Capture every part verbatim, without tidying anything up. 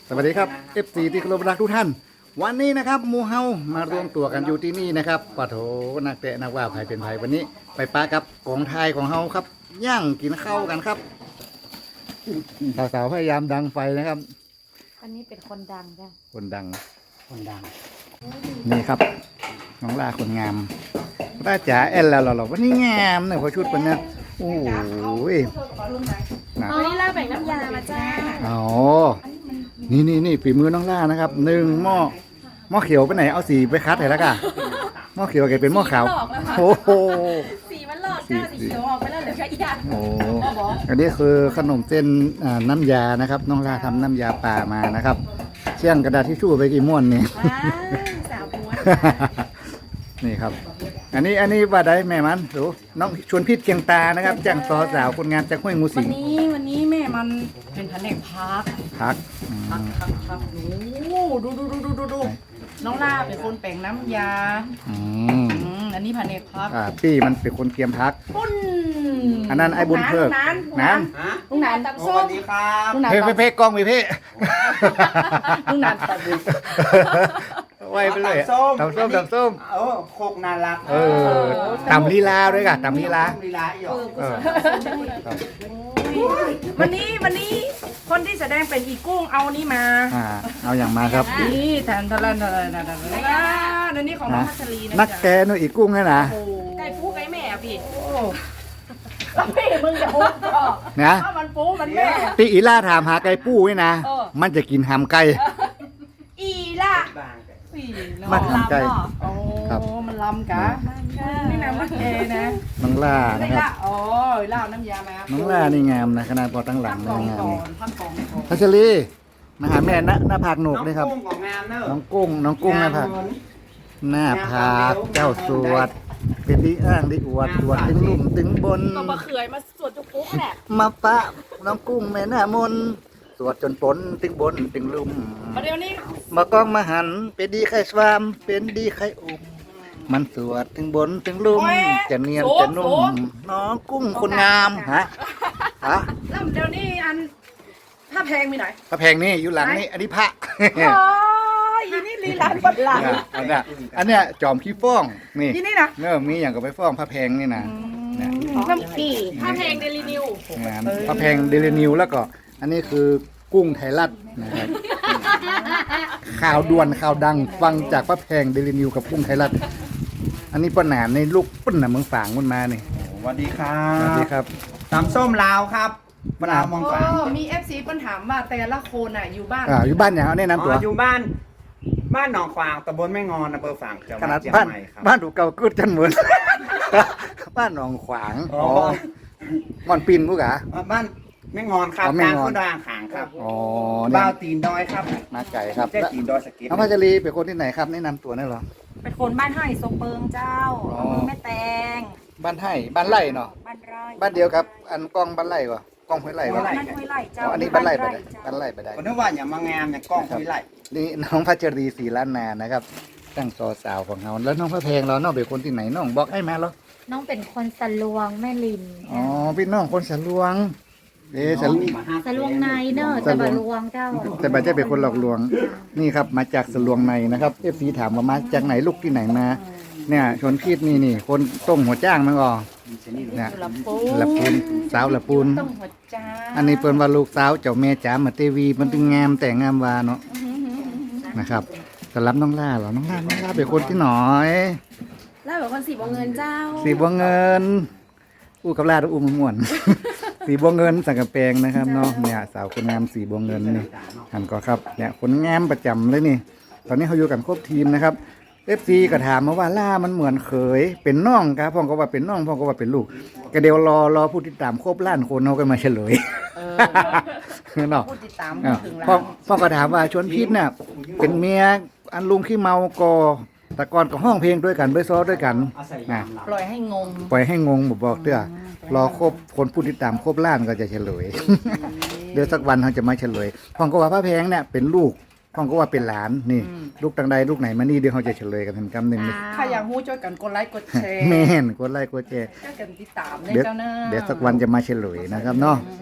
สวัสดีครับ เอฟ ซี ที่เคารพรักทุกท่านวันนี้นะครับหมู่เฮามารวมตัวกันอยู่ที่นี่นะครับปะโถนักเตะนักว่าไผ่เป็นไผ่วันนี้ ไปปากับกองไทยของเฮาครับย่างกินข้าวกันครับสาวๆพยายามดังไฟนะครับอันนี้เป็นคนดังจ้ะคนดังคนดังนี่ครับน้องล่าคนงามป้าจ๋าแอนแล้วเหรอวันนี้งามเนี่ยพอชุดเป็นเนี่ยโอ้ยนะเอานี่ล่าแบ่งน้ำยามาจ้าอ๋อนี่นี่นี่ฝีมือน้องล่านะครับหนึ่งหม้อหม้อเขียวไปไหนเอาสีไปคัดให้แล้วกันหม้อเขียวแกเป็นหม้อขาวโอ้โหสีมันหลอกจ้าสีเขียวออกไปแล้วเหลือแค่อีกอย่างโอ้อันนี้คือขนมเส้นอ่าน้ำยานะครับน้องล่าทำน้ำยาป่ามานะครับเชี่ยงกระดาษทิชชู่ไปกี่ม้วนนี่ว้าวสาวม้วนนี่ครับ อันนี้อันนี้ว่าได้แม่มันดูน้องชวนพิษเกียงตานะครับจ้างซอสาวคนงานจากห้วยงูสิวันงนี้วันนี้แม่มันเป็นแผนกพักพักอืมพักพักพักโอ้ดูดูดูดูดูดูน้องล่าเป็นคนแปลงน้ำยาอืมอืมอันนี้แผนกพักอ่าพี่มันเป็นคนเตรียมพักปุ้นอันนั้นไอ้บุญเพิกนั้นนั้นลุงหนานตำสส้วัมสดีครับลุงหนานเพ่เพ่เพ่กล้องไปเพ่ลุงหนานตัดไว้ไปเลยตำส้มตำส้มโอ้โคกน่ารักเออตำลีลาด้วยกันตำลีลาลีลาอีกเออครับวันนี้วันนี้คนที่แสดงเป็นอีกุ้งเอานี่มาอ่าเอาอย่างมาครับนี่แทนทะเลนทะเลนทะเลนอันนี้ของน้องพัชรีนะนักแกนู่นอีกกุ้งนี่นะโอ้ไก่ฟูไก่แม่อะพี่แล้วพี่มึงจะโหดก็นะถ้ามันปูมันแม่ตีอีล่าถามหาไก่ปู้ไว้นะเออมันจะกินหามไก่อีล่ะบางแต่สี่มันหามไก่โอ้ครับมันลำกะนี่นะมันเอนะน้องล่านะนี่ครับละอ๋อล่าน้ำยามาน้องล่านี่งามนะขนาดพอตั้งหลัพังกกนี่องงามก่อนี่นพักกองก่อนพัชรีมาหาแม่นะหน้าผากหนุกน้องเลยครับกุ้งของงามเนอะน้องกุ้งน้องกุ้งหน้าผากหน้าผากเจ้าสวด เป็นดีอ้างดีอวดสวดถึงลุ่มถึงบนก็มาเขือยมาสวดจุกปุ๊กแหละมาปะน้องกุ้งแม่หน้ามนสวดจนปนถึงบนถึงลุ่มประเดี๋ยวนี้มากองมาหันเป็นดีไข่สวามเป็นดีไข่อุ่มมันสวดถึงบนถึงลุ่มจะเนียนจะนุ่มน้องกุ้งคนงามฮะฮะแล้วเดี๋ยวนี้อันถ้าแพงมีไหนพระแพงนี่อยู่หลังนี่อันนี้พระโอ้ยอีนี่ลีลานปัดหลังเนี่ยอันเนี้ยอันเนี้ยจอมขี้ฟ้องนี่อีนี่นะเนอะมีอย่างกับไปฟ้องพระแพงนี่นะเนี่ยน้ำพี่ถ้าเพลงเดลินิวงานพระแพงเดลินิวแล้วก็อันนี้คือกุ้งไทยรัฐนะครับข่าวด่วนข่าวดังฟังจากพระแพงเดลินิวกับกุ้งไทยรัฐอันนี้ป้าหนานในลูกปุ้นน่ะเมืองฝางมันมานี่สวัสดีครัสวัสดีบครับตำส้มลาวครับมะนาวมองโอ้ฝางมีเอฟซีปัญถามว่าแต่ละคนอ่ะอยู่บ้านอ่าอยู่บ้านอย่างแนะอ๋นำตัวออยู่บ้าน บ้านหนองฝางตำบลแม่งอนอำเภอฝางจังหขวันาดดเชียงบ้านใหม่ครับบ้านถูกเก่ากึดกันเหมือน บ้านหนองขวางอ๋อ๋ออม่อนปินกูกะอ่าบ้านแม่งอนครับอ๋อแม่กลางงอนโคดางขางครับอ๋อเนี่ยบ้าวตีนดอยครับมาไก่ครับแจ้ตีนดอยสะเก็ตน้องพัชรีเป็นคนที่ไหนครับแนะนำตัวได้เหรอเป็นคนบ้านไห่ทรงเปิงเจ้าอ๋ออำเภอแม่แตงบ้านไห่บ้านไร่เนาะบ้านไร่บ้านเดียวกับอันกล้องบ้านไร่วะกล้องห้วยไร่วะบ้านห้วยไร่อ๋เจ้าออันนี้บ้านไร่ไปได้เจ้าบ้านไร่ไปได้คนนึกว่าอย่างมางามอย่างกล้องคุยไหลนี่น้องพัชรีศรีล้านนานะครับตั้งซอสาวของเราแล้วน้องพระแพงเราน้องเป็นคนที่ไหนน้องบอกให้มาเหรอน้องเป็นคนสลวงแม่ลินอ๋อพี่น้องคนสะลวงเอ๊ะสะลวงสลวงในเนอะแต่บาลวงเจ้าแต่บัจเจ้เป็นคนหลอกลวงนี่ครับมาจากสะลวงในนะครับเอฟซีถามว่ามาจากไหนลูกที่ไหนมา เนี่ยชนพีดนี่นี่คนต้มหัวจ้างมันก็เนี่ยละปูละปูนสาวละปูนต้องหัวจ้าอันนี้เปิ้นว่าลูกสาวเจ้าแม่จ๋ามาเตวีมันถึงงามแต่งามวาเนาะนะครับสำหรับน้องล่าเหรอน้องล่าน้องล่าเป็นคนที่หน่อยแล้วแบบคนสีบวงเงินเจ้าสีบัวเงินอู้กับล่าดูอุ้มม่วน สีบัวเงินสังกะแปงนะครับเนาะเนี่ยสาวคนงามสีบัวเงินนี่หันก็ครับเนี่ยคนงามประจำเลยนี่ ตอนนี้เขาอยู่กันครบทีมนะครับเอฟซีก็ถามมาว่าล่ามันเหมือนเขยเป็นน้องครับพ่อก็ว่าเป็นน้องพ่อก็ว่าเป็นลูกก็เดี๋ยวรอรอผู้ติดตามครบล้านคนเขาก็มาเฉลยเออเนาะพูดติดตามอ้าวถึงพ่อแล้วพ่อก็ถามว่าชวนพิษเนี่ยเป็นเมียอันลุงขี้เมากอแต่ก่อนก็ห้องเพลงด้วยกันด้วยซ้อด้วยกันนะปล่อยให้งงปล่อยให้งงบอกบอกเด้อรอครบคนผู้ติดตามครบล้านก็จะเฉลย เดี๋ยวสักวันเขาจะมาเฉลยพ่อก็ว่าพระแพงเนี่ยเป็นลูกพ่อก็ว่าเป็นหลานนี่ ลูกตังใดลูกไหนมานี่เดี๋ยวเขาจะเฉลยกันเป็นกำหนึ่งเลยถ้าอยากหู้ช่วยกันกดไลค์กดแชร์แม่นกดไลค์กดแชร์ช่วยกันติดตามในเดี๋ยวเจ้าหน้าเดี๋ยวสักวันจะมาเฉลยนะครับเนาะอืม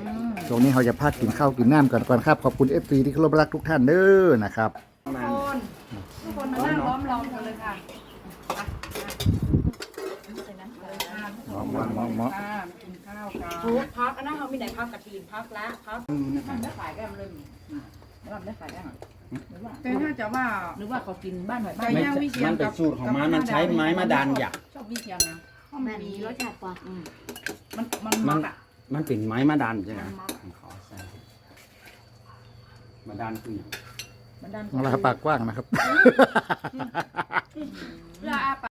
ช่วงนี้เราจะพักกินข้าวกินน้ำกันก่อนครับขอบคุณ เอฟ ซี ที่เคารพรักทุกท่านเด้อนะครับมาคนทุกคนมานั่งล้อมรอมกันเลยค่ะหมอหมอหมอหมอค่ะมากินข้าวกันโอ้พักอันนั้นเขามีไหนพักกระถินพักละพักทำได้ขายแก้มเลยทำได้ขายแก้มแต่ถ้าจะว่าหรือว่าเขากินบ้านหอยบ้านไม่ย่างวิเชียมัน นเป็นสูตรของมันมันใช้ไม้มาดันหยักชอบวิเชียนนะแม่มีรสชาติกว่าอืมมันมันมัมันนอ่ะมันเป็นไม้มาดันใช่ไหมขอใส่มาดันคืออย่างมันดันเราปากกว้างนะครับเพื่ออา